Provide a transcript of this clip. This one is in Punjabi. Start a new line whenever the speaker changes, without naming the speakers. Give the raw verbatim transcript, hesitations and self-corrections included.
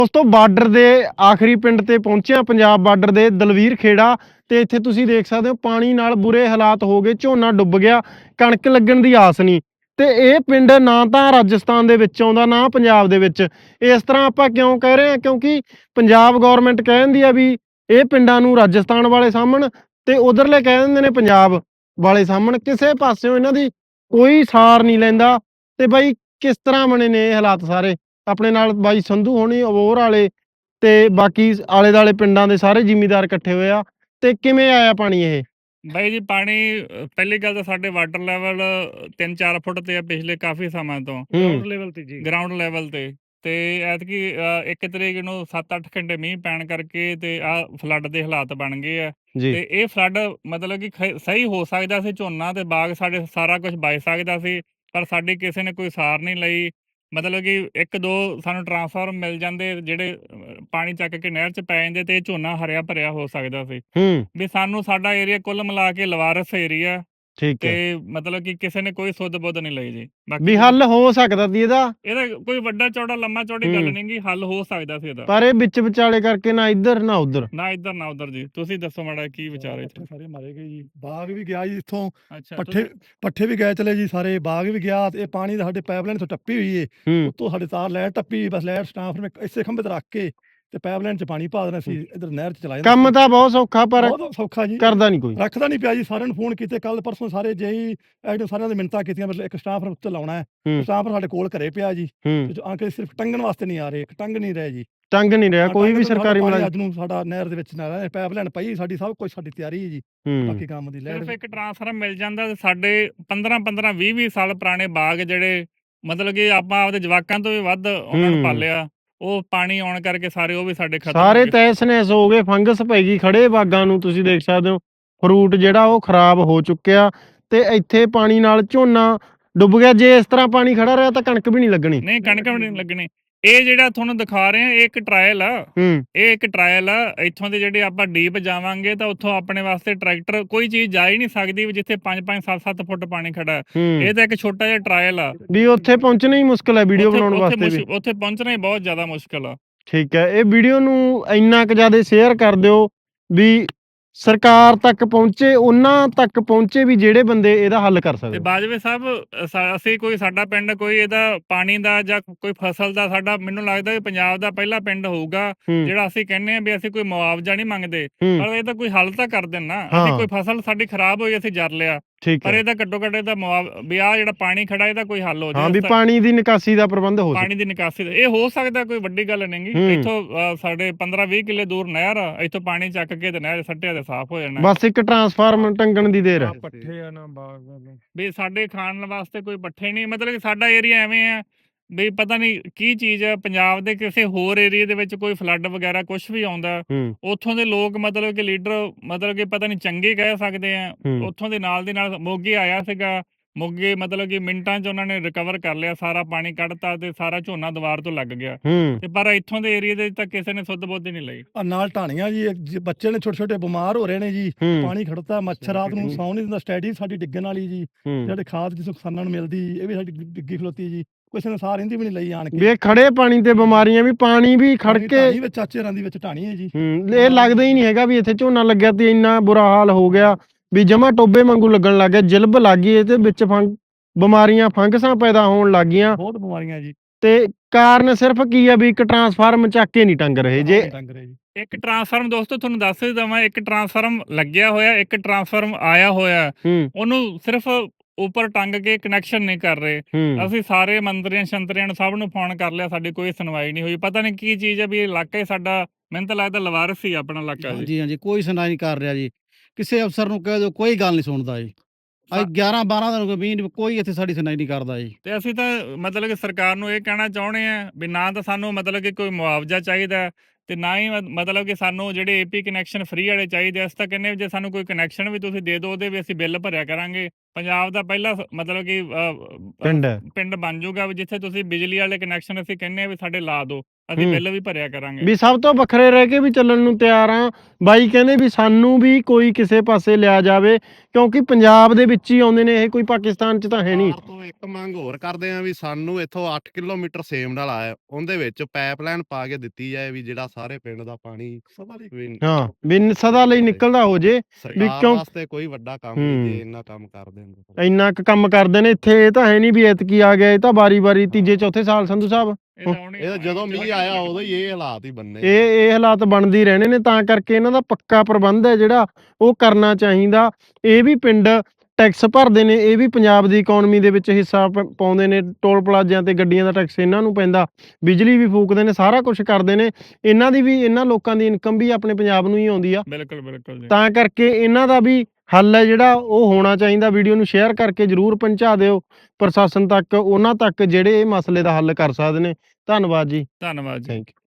ਦੋਸਤੋ ਬਾਰਡਰ ਦੇ ਆਖਰੀ ਪਿੰਡ ਤੇ ਪਹੁੰਚਿਆ, ਪੰਜਾਬ ਬਾਰਡਰ ਦੇ ਦਲਵੀਰ ਖੇੜਾ ਤੇ ਇੱਥੇ ਤੁਸੀਂ ਦੇਖ ਸਕਦੇ ਹੋ ਪਾਣੀ ਨਾਲ ਬੁਰੇ ਹਾਲਾਤ ਹੋ ਗਏ, ਝੋਨਾ ਡੁੱਬ ਗਿਆ, ਕਣਕ ਲੱਗਣ ਦੀ ਆਸ ਨਹੀਂ। ਤੇ ਇਹ ਪਿੰਡ ਨਾ ਤਾਂ ਰਾਜਸਥਾਨ ਦੇ ਵਿੱਚ ਆਉਂਦਾ ਨਾ ਪੰਜਾਬ ਦੇ ਵਿੱਚ। ਇਸ ਤਰ੍ਹਾਂ ਆਪਾਂ ਕਿਉਂ ਕਹਿ ਰਹੇ ਹਾਂ, ਕਿਉਂਕਿ ਪੰਜਾਬ ਗਵਰਨਮੈਂਟ ਕਹਿ ਦਿੰਦੀ ਆ ਵੀ ਇਹ ਪਿੰਡਾਂ ਨੂੰ ਰਾਜਸਥਾਨ ਵਾਲੇ ਸਾਂਭਣ ਤੇ ਉਧਰਲੇ ਕਹਿ ਦਿੰਦੇ ਨੇ ਪੰਜਾਬ ਵਾਲੇ ਸਾਂਭਣ। ਕਿਸੇ ਪਾਸਿਓਂ ਇਹਨਾਂ ਦੀ ਕੋਈ ਸਾਰ ਨਹੀਂ ਲੈਂਦਾ। ਤੇ ਬਾਈ ਕਿਸ ਤਰ੍ਹਾਂ ਬਣੇ ਨੇ ਇਹ ਹਾਲਾਤ ਸਾਰੇ? ਆਪਣੇ ਨਾਲ ਬਾਈ ਸੰਧੂ ਹੋਣੀ, ਅਬੋਹਰ ਵਾਲੇ ਤੇ ਬਾਕੀ ਆਲੇ ਦੁਆਲੇ ਪਿੰਡਾਂ ਦੇ ਸਾਰੇ ਜ਼ਿਮੀਂਦਾਰ ਇਕੱਠੇ ਹੋਏ ਆ। ਤੇ ਕਿਵੇਂ ਆਇਆ ਪਾਣੀ ਇਹ?
ਬਾਈ ਜੀ ਪਾਣੀ ਅ, ਪਹਿਲੀ ਗੱਲ ਤਾਂ ਸਾਡੇ ਵਾਟਰ ਲੈਵਲ ਤਿੰਨ ਚਾਰ ਫੁੱਟ ਤੇ ਆ ਪਿਛਲੇ ਕਾਫੀ ਸਮਾਂ ਤੋਂ
ਹੂੰ
ਲੈਵਲ ਤੇ ਜੀ ਗਰਾਊਂਡ ਲੈਵਲ ਤੇ ਤੇ ਐਤਕੀ ਅ, ਇੱਕ ਤਰੀਕ ਨੂੰ ਸੱਤ ਅੱਠ ਘੰਟੇ ਮੀਂਹ ਪੈਣ ਕਰਕੇ ਤੇ ਆ ਫਲੱਡ ਦੇ ਹਾਲਾਤ ਬਣ ਗਏ ਆ।
ਜੀ
ਤੇ ਇਹ ਫਲੱਡ ਮਤਲਬ ਕਿ ਖ- ਸਹੀ ਹੋ ਸਕਦਾ ਸੀ, ਝੋਨਾ ਤੇ ਬਾਗ ਸਾਡੇ ਸਾਰਾ ਕੁਝ ਬਚ ਸਕਦਾ ਸੀ, ਪਰ ਸਾਡੀ ਕਿਸੇ ਨੇ ਕੋਈ ਸਾਰ ਨਹੀਂ ਲਈ। ਮਤਲਬ ਕਿ ਇੱਕ ਦੋ ਸਾਨੂੰ ਟਰਾਂਸਫਾਰਮ ਮਿਲ ਜਾਂਦੇ ਜਿਹੜੇ ਅ, ਪਾਣੀ ਚੱਕ ਕੇ ਨਹਿਰ 'ਚ ਪੈ ਜਾਂਦੇ ਤੇ ਇਹ ਝੋਨਾ ਹਰਿਆ ਭਰਿਆ ਹੋ ਸਕਦਾ ਸੀ।
ਹੂੰ
ਵੀ ਸਾਨੂੰ ਸਾਡਾ ਏਰੀਆ ਕੁੱਲ ਮਿਲਾ ਕੇ ਲਵਾਰਸ ਏਰੀਆ
ਠੀਕ
ਤੇ
ਹੈ,
ਮਤਲਬ ਕਿ ਕਿਸੇ ਨੇ ਕੋਈ ਸੁੱਧ ਬੁੱਧ ਨਹੀਂ ਲਈ ਜੀ। ਬਾਕੀ
ਵੀ
ਤੁਸੀਂ-
ਹੱਲ ਹੋ ਸਕਦਾ ਸੀ ਇਹਦਾ।
ਇਹਦਾ ਕੋਈ ਵੱਡਾ ਚੌੜਾ ਲੰਮਾ ਚੌੜੀ ਗੱਲ
ਹੂੰ
ਨਹੀਂ ਗੀ, ਹੱਲ ਹੋ ਸਕਦਾ ਸੀ ਇਹਦਾ।
ਪਰ ਇਹ ਵਿੱਚ ਵਿਚਾਲੇ ਕਰਕੇ ਨਾ ਇੱਧਰ ਨਾ ਉੱਧਰ।
ਨਾ ਇੱਧਰ ਨਾ ਉੱਧਰ ਜੀ। ਤੁਸੀਂ ਦੱਸੋ ਮਾੜਾ ਕੀ ਵਿਚਾਰ ਹੈ ਇੱਥੇ?
ਪੱਠੇ ਸਾਰੇ ਮਾਰੇ ਗਏ ਜੀ, ਬਾਗ ਵੀ ਗਿਆ ਜੀ ਇੱਥੋਂ,
ਅੱਛਾ
ਪੱਠੇ
ਤੁਸੀਂ-
ਪੱਠੇ ਵੀ ਗਏ ਚਲੇ ਜੀ, ਸਾਰੇ ਬਾਗ ਵੀ ਗਿਆ। ਤੇ ਇਹ ਪਾਣੀ ਦਾ ਸਾਡੇ ਪਾਈਪਲਾਈਨ ਤੋਂ ਟੱਪੀ ਹੋਈ ਏ,
ਹੂੰ
ਉੱਤੋਂ ਸਾਡੇ ਤਾਰ ਲਾਈਟ ਟੱਪੀ, ਬਸ ਲਾਈਟ ਸਟਾਫ ਨੇ ਇਸੇ ਖੰਭੇ ਤੇ ਰੱਖ ਕੇ ਤੇ ਪਾਈਪਲਾਈਨ 'ਚ ਪਾਣੀ ਪਾ ਦੇਣਾ ਸੀ, ਇਧਰ ਨਹਿਰ 'ਚ ਚਲਾਇਆ
ਕੰਮ ਤਾਂ ਬਹੁਤ ਸੌਖਾ ਪਰ
ਬਹੁਤ ਸੌਖਾ ਜੀ,
ਕਰਦਾ ਨਹੀਂ ਕੋਈ।
ਰੱਖਦਾ ਨਹੀਂ ਪਿਆ ਜੀ। ਸਾਰਿਆਂ ਨੂੰ ਫੋਨ ਕੀਤੇ ਕੱਲ ਪਰਸੋਂ, ਸਾਰੇ ਜੇਈ ਐਡ ਸਾਰਿਆਂ ਦੇ ਮਿੰਨਤਾਂ ਕੀਤੀਆਂ, ਮਤਲਬ ਇੱਕ ਸਟਾਫ ਉੱਤੇ ਲਾਉਣਾ ਹੈ।
ਹੂੰ
ਸਟਾਫ ਸਾਡੇ ਕੋਲ ਘਰੇ ਪਿਆ ਜੀ,
ਹੂੰ
ਤੇ ਅੰਕਲ ਸਿਰਫ ਟੰਗਣ ਵਾਸਤੇ ਨਹੀਂ ਆ ਰਹੇ, ਇੱਕ ਟੰਗ ਨਹੀਂ ਰਹੇ ਜੀ।
ਟੰਗ ਨਹੀਂ ਰਿਹਾ
ਹਾਂ,
ਕੋਈ
ਟੰਗ
ਵੀ
ਤੋਂ ਸਾਡਾ
ਸਰਕਾਰੀ
ਪਾਣੀ
ਮੁਲਾਜ਼ਮ।
ਅੱਜ ਨੂੰ ਸਾਡਾ ਨਹਿਰ ਦੇ ਵਿੱਚ ਨਾ ਰਹੇ, ਪਾਈਪਲਾਈਨ ਪਈ ਸਾਡੀ, ਸਭ ਕੁਝ ਸਾਡੀ ਤਿਆਰੀ ਹੈ ਜੀ।
ਹੂੰ
ਬਾਕੀ ਕੰਮ ਦੀ
ਸਿਰਫ
ਲਾਈਟ
ਇੱਕ ਟਰਾਂਸਫਾਰਮ ਮਿਲ ਜਾਂਦਾ ਤੇ ਸਾਡੇ ਪੰਦਰਾਂ ਪੰਦਰਾਂ ਵੀਹ ਵੀਹ ਸਾਲ ਪੁਰਾਣੇ ਬਾਗ ਜਿਹੜੇ ਮਤਲਬ ਕਿ ਆਪਾਂ ਆਪਦੇ ਜਵਾਕਾਂ ਤੋਂ ਵੀ ਵੱਧ ਉਹਨਾਂ ਨੂੰ
ਹੂੰ।
ਪਾਲਿਆ, ਉਹ ਪਾਣੀ ਆਉਣ ਕਰਕੇ ਸਾਰੇ ਉਹ ਵੀ ਸਾਡੇ ਖਤਮ
ਸਾਰੇ
ਹੋ ਗਏ।
ਤਹਿਸ ਨਹਿਸ ਹੋ ਗਏ, ਫੰਗਸ ਪੈ ਗਈ ਖੜੇ ਬਾਗਾਂ ਨੂੰ। ਤੁਸੀਂ ਦੇਖ ਸਕਦੇ ਹੋ ਫਰੂਟ ਜਿਹੜਾ ਉਹ ਖਰਾਬ ਹੋ ਚੁੱਕਿਆ ਤੇ ਇੱਥੇ ਪਾਣੀ ਨਾਲ ਝੋਨਾ ਡੁੱਬ ਗਿਆ। ਜੇ ਇਸ ਤਰ੍ਹਾਂ ਪਾਣੀ ਖੜਾ ਰਿਹਾ ਤਾਂ ਕਣਕ ਵੀ ਨਹੀਂ ਲੱਗਣੀ।
ਨਹੀਂ ਕਣਕ ਵੀ ਨਹੀਂ ਲੱਗਣੀ। ਇਹ ਜਿਹੜਾ ਤੁਹਾਨੂੰ ਦਿਖਾ ਰਹੇ ਆ ਇਹ ਇੱਕ ਟਰਾਇਲ ਆ,
ਹੂੰ
ਇਹ ਇੱਕ ਟਰਾਇਲ ਆ। ਇੱਥੋਂ ਦੇ ਜਿਹੜੇ ਆਪਾਂ ਡੀਪ ਜਾਵਾਂਗੇ ਤਾਂ ਉੱਥੋਂ ਆਪਣੇ ਵਾਸਤੇ ਟਰੈਕਟਰ ਕੋਈ ਚੀਜ਼ ਜਾ ਹੀ ਨਹੀਂ ਸਕਦੀ ਵੀ ਜਿੱਥੇ ਪੰਜ ਪੰਜ ਸੱਤ ਸੱਤ ਫੁੱਟ ਪਾਣੀ ਖੜਾ ਹੈ।
ਹੂੰ
ਇਹ ਤਾਂ ਇੱਕ ਛੋਟਾ ਜਿਹਾ ਟਰਾਇਲ ਆ।
ਵੀ ਉੱਥੇ ਪਹੁੰਚਣਾ ਹੀ ਮੁਸ਼ਕਲ ਹੈ ਵੀਡੀਓ
ਉੱਥੇ
ਬਣਾਉਣ
ਉੱਥੇ
ਵਾਸਤੇ ਵੀ।
ਮੁਸ਼- ਉੱਥੇ ਪਹੁੰਚਣਾ ਹੀ ਬਹੁਤ ਜ਼ਿਆਦਾ ਮੁਸ਼ਕਲ ਆ।
ਠੀਕ ਹੈ, ਇਹ ਵੀਡੀਓ ਨੂੰ ਇੰਨਾ ਕੁ ਜ਼ਿਆਦਾ ਸ਼ੇਅਰ ਕਰ ਦਿਓ ਵੀ ਸਰਕਾਰ ਤੱਕ ਪਹੁੰਚੇ, ਉਹਨਾਂ ਤੱਕ ਪਹੁੰਚੇ ਵੀ ਜਿਹੜੇ ਬੰਦੇ ਇਹਦਾ ਹੱਲ ਕਰ
ਤੇ
ਸਕਦੇ।
ਬਾਜਵੇ ਸਾਹਿਬ ਅ, ਸਾ- ਅਸੀਂ ਕੋਈ ਸਾਡਾ ਪਿੰਡ ਕੋਈ ਇਹਦਾ ਪਾਣੀ ਦਾ ਜਾਂ ਕੋਈ ਫਸਲ ਦਾ, ਸਾਡਾ ਮੈਨੂੰ ਲੱਗਦਾ ਵੀ ਪੰਜਾਬ ਦਾ ਪਹਿਲਾ ਪਿੰਡ ਹੋਊਗਾ
ਹੂੰ
ਜਿਹੜਾ ਅਸੀਂ ਕਹਿੰਦੇ ਆ ਵੀ ਅਸੀਂ ਕੋਈ ਮੁਆਵਜ਼ਾ ਨਹੀਂ ਮੰਗਦੇ,
ਹੂੰ
ਪਰ ਇਹ ਤਾਂ ਕੋਈ ਹੱਲ ਤਾਂ ਕਰ ਦੇਣਾ।
ਹਾਂ।
ਅਸੀਂ ਕੋਈ ਫਸਲ ਸਾਡੀ ਖਰਾਬ ਹੋਈ ਅਸੀਂ ਜਰ ਲਿਆ,
ਠੀਕ
ਪਰ
ਹੈ,
ਇਹਦਾ ਘੱਟੋ ਘੱਟ ਇਹਦਾ ਮੁਆਵ ਵੀ ਆਹ ਜਿਹੜਾ ਪਾਣੀ ਖੜਾ ਇਹਦਾ ਕੋਈ ਹੱਲ ਹੋ
ਹਾਂ ਵੀ
ਜਾਏ।
ਪਾਣੀ ਦੀ ਨਿਕਾਸੀ ਦਾ ਪ੍ਰਬੰਧ ਹੋ ਸਕੇ।
ਪਾਣੀ ਦੀ ਨਿਕਾਸੀ ਦਾ ਇਹ ਹੋ ਸਕਦਾ, ਕੋਈ ਵੱਡੀ ਗੱਲ ਨਹੀਂ ਗੀ।
ਹੂੰ।
ਇੱਥੋਂ ਅ, ਸਾਡੇ ਪੰਦਰਾਂ ਵੀਹ ਕਿੱਲੇ ਦੂਰ ਨਹਿਰ ਆ, ਇੱਥੋਂ ਪਾਣੀ ਚੱਕ ਕੇ ਤੇ ਨਹਿਰ ਸੱਟਿਆ ਤੇ ਸਾਫ਼ ਹੋ ਜਾਣਾ।
ਬਸ ਇੱਕ ਟਰਾਂਸਫਾਰਮ ਟੰਗਣ ਦੀ ਦੇਰ ਹੈ।
ਪੱਠੇ ਆ ਨਾ ਬਾਗ ਵੀ ਸਾਡੇ ਖਾਣ ਵਾਸਤੇ ਕੋਈ ਪੱਠੇ ਨਹੀਂ। ਮਤਲਬ ਕਿ ਸਾਡਾ ਏਰੀਆ ਐਵੇਂ ਆ ਵੀ ਪਤਾ ਨਹੀਂ ਕੀ ਚੀਜ਼ ਆ। ਪੰਜਾਬ ਦੇ ਕਿਸੇ ਹੋਰ ਏਰੀਆ ਦੇ ਵਿੱਚ ਕੋਈ ਫਲੱਡ ਵਗੈਰਾ ਕੁਝ ਵੀ ਆਉਂਦਾ,
ਹੂੰ
ਉੱਥੋਂ ਦੇ ਲੋਕ ਮਤਲਬ ਕਿ ਲੀਡਰ ਮਤਲਬ ਕਿ ਪਤਾ ਨਹੀਂ ਚੰਗੇ ਕਹਿ ਸਕਦੇ ਆ।
ਹੂੰ
ਉੱਥੋਂ ਦੇ ਨਾਲ ਦੀ ਨਾਲ ਮੋਗੇ ਆਇਆ ਸੀਗਾ, ਮੋਗੇ ਮਤਲਬ ਕਿ ਮਿੰਟਾਂ 'ਚ ਉਹਨਾਂ ਨੇ ਰਿਕਵਰ ਕਰ ਲਿਆ, ਸਾਰਾ ਪਾਣੀ ਕੱਢਤਾ ਤੇ ਸਾਰਾ ਝੋਨਾ ਦੁਬਾਰ ਤੋਂ ਲੱਗ ਗਿਆ।
ਹੂੰ
ਤੇ ਪਰ ਇੱਥੋਂ ਦੇ ਏਰੀਆ ਦੇ ਤਾਂ ਕਿਸੇ ਨੇ ਸੁੱਧ ਬੁੱਧ ਹੀ ਨਹੀਂ ਲਈ।
ਆ ਨਾਲ ਢਾਣੀਆਂ ਜੀ, ਇੱਕ ਜੀ ਬੱਚੇ ਨੇ ਛੋਟੇ ਛੋਟੇ ਬਿਮਾਰ ਹੋ ਰਹੇ ਨੇ ਜੀ,
ਹੂੰ
ਪਾਣੀ ਖੜਤਾ, ਮੱਛਰ ਰਾਤ ਨੂੰ ਸੌਣ ਨਹੀਂ ਦਿੰਦਾ, ਸਟੈਡੀ ਸਾਡੀ ਡਿੱਗਣ ਵਾਲੀ ਜੀ।
ਹੂੰ
ਜਿਹੜੇ ਖਾਦ ਜਿਸ ਕਿਸਾਨਾਂ ਨੂੰ ਮਿਲਦੀ ਇਹ ਵੀ ਸਾਡੀ ਡਿੱਗੀ ਖਲੋਤੀ ਜੀ, ਕਿਸੇ ਨੇ ਸਾਰ ਇਹਦੀ ਵੀ ਨਹੀਂ ਲਈ ਆਣ
ਵੀ
ਕੇ।
ਇਹ ਖੜੇ ਪਾਣੀ ਤੇ ਬਿਮਾਰੀਆਂ ਵੀ, ਪਾਣੀ ਵੀ ਖੜ
ਪਾਣੀ
ਕੇ।
ਢਾਣੀ ਵਿੱਚ ਚਾਚੇ ਰਾਂ ਦੀ ਵਿੱਚ ਢਾਣੀ ਹੈ ਜੀ।
ਹੂੰ ਇਹ ਲੱਗਦਾ ਹੀ ਨਹੀਂ ਹੈਗਾ ਵੀ ਇੱਥੇ ਝੋਨਾ ਲੱਗਿਆ ਤੇ ਇੰਨਾ ਬੁਰਾ ਹਾਲ ਹੋ ਗਿਆ ਵੀ ਜਮਾ ਟੋਬੇ ਵਾਂਗੂ ਲੱਗਣ ਲੱਗ ਗਿਆ, ਜਿਲਬ ਲੱਗ ਗਈ ਇਹਦੇ ਵਿੱਚ, ਫੰਗ ਬਿਮਾਰੀਆਂ ਫੰਗਸਾਂ ਪੈਦਾ ਹੋਣ ਲੱਗ ਗਈਆਂ।
ਬਹੁਤ ਬਿਮਾਰੀਆਂ ਜੀ।
ਤੇ ਕਾਰਨ ਸਿਰਫ ਕੀ ਆ ਵੀ ਇੱਕ ਟਰਾਂਸਫਾਰਮ ਚੱਕ ਕੇ ਨਹੀਂ ਟੰਗ ਰਹੇ। ਜੇ
ਟੰਗ ਰਹੇ ਜੀ।
ਇੱਕ ਟਰਾਂਸਫਾਰਮ ਦੋਸਤੋ ਤੁਹਾਨੂੰ ਦੱਸ ਹੀ ਦਵਾਂ, ਇੱਕ ਟਰਾਂਸਫਾਰਮ ਲੱਗਿਆ ਹੋਇਆ, ਇੱਕ ਟਰਾਂਸਫਾਰਮ ਆਇਆ ਹੋਇਆ,
ਹੂੰ
ਉਹਨੂੰ ਸਿਰਫ ਉੱਪਰ ਟੰਗ ਕੇ ਕਨੈਕਸ਼ਨ ਨਹੀਂ ਕਰ ਰਹੇ।
ਹੂੰ
ਅਸੀਂ ਸਾਰੇ ਮੰਤਰੀਆਂ ਸ਼ੰਤਰੀਆਂ ਨੂੰ ਸਭ ਨੂੰ ਫੋਨ ਕਰ ਲਿਆ, ਸਾਡੀ ਕੋਈ ਸੁਣਵਾਈ ਨਹੀਂ ਹੋਈ। ਪਤਾ ਨਹੀਂ ਕੀ ਚੀਜ਼ ਹੈ ਵੀ ਇਹ ਇਲਾਕਾ ਹੀ ਸਾਡਾ, ਮੈਨੂੰ ਤਾਂ ਲੱਗਦਾ ਲਵਾਰਸ ਹੀ ਆਪਣਾ ਇਲਾਕਾ ਜੀ।
ਹਾਂਜੀ ਹਾਂਜੀ ਕੋਈ ਸੁਣਾਈ ਨਹੀਂ ਕਰ ਰਿਹਾ ਜੀ। ਕਿਸੇ ਅਫਸਰ ਨੂੰ ਕਹਿ ਦਿਓ ਕੋਈ ਗੱਲ ਨਹੀਂ ਸੁਣਦਾ ਜੀ। ਅੱਜ
ਹਾਂ।
ਗਿਆਰਾਂ ਬਾਰਾਂ ਦਿਨ ਹੋ ਗਏ ਮੀਂਹ ਨਹੀਂ, ਕੋਈ ਇੱਥੇ ਸਾਡੀ ਸੁਣਾਈ ਨਹੀਂ ਕਰਦਾ ਜੀ।
ਤੇ ਅਸੀਂ ਤਾਂ ਮਤਲਬ ਕਿ ਸਰਕਾਰ ਨੂੰ ਇਹ ਕਹਿਣਾ ਚਾਹੁੰਦੇ ਆ ਵੀ ਨਾ ਤਾਂ ਸਾਨੂੰ ਮਤਲਬ ਕਿ ਕੋਈ ਮੁਆਵਜ਼ਾ ਚਾਹੀਦਾ ਤੇ ਨਾ ਹੀ ਮ- ਮਤਲਬ ਕਿ ਸਾਨੂੰ ਜਿਹੜੇ ਏਪੀ ਕਨੈਕਸ਼ਨ ਫ੍ਰੀ ਵਾਲੇ ਚਾਹੀਦੇ। ਅਸੀਂ ਤਾਂ ਕਹਿੰਦੇ ਵੀ ਜੇ ਸਾਨੂੰ ਕੋਈ ਕਨੈਕਸ਼ਨ ਵੀ ਤੁਸੀਂ ਦੇ ਦਿਓ ਉਹਦੇ ਵੀ ਅਸੀਂ ਬਿੱਲ ਭਰਿਆ ਕਰਾਂਗੇ, ਪੰਜਾਬ ਦਾ ਪਹਿਲਾ ਸ- ਮਤਲਬ ਕਿ ਅ, ਅ,
ਪਿੰਡ ਹੈ।
ਪਿੰਡ ਬਣ ਜਾਊਗਾ ਵੀ ਜਿੱਥੇ ਤੁਸੀਂ ਬਿਜਲੀ ਵਾਲੇ ਕਨੈਕਸ਼ਨ ਅਸੀਂ ਕਹਿੰਨੇ ਆ ਵੀ ਸਾਡੇ ਲਾ ਦਿਓ, ਅਸੀਂ
ਹੂੰ।
ਬਿੱਲ ਵੀ ਭਰਿਆ ਕਰਾਂਗੇ।
ਵੀ ਸਭ ਤੋਂ ਵੱਖਰੇ ਰਹਿ ਕੇ ਵੀ ਚੱਲਣ ਨੂੰ ਤਿਆਰ ਆ। ਬਾਈ ਕਹਿੰਦੇ ਵੀ ਸਾਨੂੰ ਵੀ ਕੋਈ ਕਿਸੇ ਪਾਸੇ ਲਿਆ ਜਾਵੇ, ਕਿਉਂਕਿ ਪੰਜਾਬ ਦੇ ਵਿੱਚ ਹੀ ਆਉਂਦੇ ਨੇ ਇਹ, ਕੋਈ ਪਾਕਿਸਤਾਨ ਚ ਤਾਂ ਹੈ ਨਹੀਂ।
ਸਰਕਾਰ ਤੋਂ ਇੱਕ ਮੰਗ ਹੋਰ ਕਰਦੇ ਆ ਵੀ ਸਾਨੂੰ ਇੱਥੋਂ ਅੱਠ ਕਿਲੋਮੀਟਰ ਸੇਮ ਨਾਲ ਆਇਆ ਉਹਦੇ ਵਿੱਚ ਪਾਈਪਲਾਈਨ ਪਾ ਕੇ ਦਿੱਤੀ ਜਾਏ ਵੀ ਜਿਹੜਾ ਸਾਰੇ ਪਿੰਡ ਦਾ ਪਾਣੀ
ਸਦਾ ਲਈ
ਵੀ
ਹਾਂ ਵੀ ਨ- ਸਦਾ ਲਈ ਨਿਕਲਦਾ ਹੋ ਜੇ।
ਸਰਕਾਰ
ਕਿਉਂ-
ਵਾਸਤੇ ਕੋਈ ਵੱਡਾ ਕੰਮ ਨਹੀਂ
ਹੂੰ।
ਜੇ ਇੰਨਾ ਕੰਮ ਕਰ ਦੇਣ ਤਾਂ।
ਇੰਨਾ ਕੁ ਕੰਮ ਕਰਦੇ ਨੇ ਇੱਥੇ। ਇਹ ਤਾਂ ਹੈ ਨਹੀਂ ਵੀ ਐਤਕੀ ਆ ਗਿਆ, ਇਹ ਤਾਂ ਵਾਰੀ ਵਾਰੀ ਤੀਜੇ ਚੌਥੇ ਸਾਲ ਸੰਧੂ ਸਾਹਿਬ
ਇਹ ਤਾਂ ਹੁਣ ਹੀ
ਇਹ ਤਾਂ ਜਦੋਂ ਮੀਂਹ ਆਇਆ ਉਦੋਂ ਹੀ ਇਹ ਹਾਲਾਤ ਹੀ ਬੰਨੇ
ਇਹ ਇਹ ਹਾਲਾਤ ਬਣਦੇ ਹੀ ਰਹਿਣੇ ਨੇ। ਤਾਂ ਕਰਕੇ ਇਹਨਾਂ ਦਾ ਪੱਕਾ ਪ੍ਰਬੰਧ ਹੈ ਜਿਹੜਾ ਉਹ ਕਰਨਾ ਚਾਹੀਦਾ। ਇਹ ਵੀ ਪਿੰਡ ਟੈਕਸ ਭਰਦੇ ਨੇ, ਇਹ ਵੀ ਪੰਜਾਬ ਦੀ ਇਕਨੋਮੀ ਦੇ ਵਿੱਚ ਹਿੱਸਾ ਪ- ਪਾਉਂਦੇ ਨੇ। ਟੋਲ ਪਲਾਜ਼ਿਆਂ ਤੇ ਗੱਡੀਆਂ ਦਾ ਟੈਕਸ ਇਹਨਾਂ ਨੂੰ ਪੈਂਦਾ, ਬਿਜਲੀ ਵੀ ਫੂਕਦੇ ਨੇ, ਸਾਰਾ ਕੁਝ ਕਰਦੇ ਨੇ। ਇਹਨਾਂ ਦੀ ਵੀ, ਇਹਨਾਂ ਲੋਕਾਂ ਦੀ ਇਨਕਮ ਵੀ ਆਪਣੇ ਪੰਜਾਬ ਨੂੰ ਹੀ ਆਉਂਦੀ ਆ।
ਬਿਲਕੁਲ ਬਿਲਕੁਲ ਜੀ।
ਤਾਂ ਕਰਕੇ ਇਹਨਾਂ ਦਾ ਵੀ ਹੱਲ ਹੈ ਜਿਹੜਾ ਉਹ ਹੋਣਾ ਚਾਹੀਦਾ। ਵੀਡੀਓ ਨੂੰ ਸ਼ੇਅਰ ਕਰਕੇ ਜਰੂਰ ਪਹੁੰਚਾ ਦਿਓ ਪ੍ਰਸ਼ਾਸਨ ਤੱਕ, ਉਹਨਾਂ ਤੱਕ ਜਿਹੜੇ ਇਹ ਮਸਲੇ ਦਾ ਹੱਲ ਕਰ ਸਕਦੇ ਨੇ। ਧੰਨਵਾਦ ਜੀ।
ਧੰਨਵਾਦ ਜੀ।
Thank you.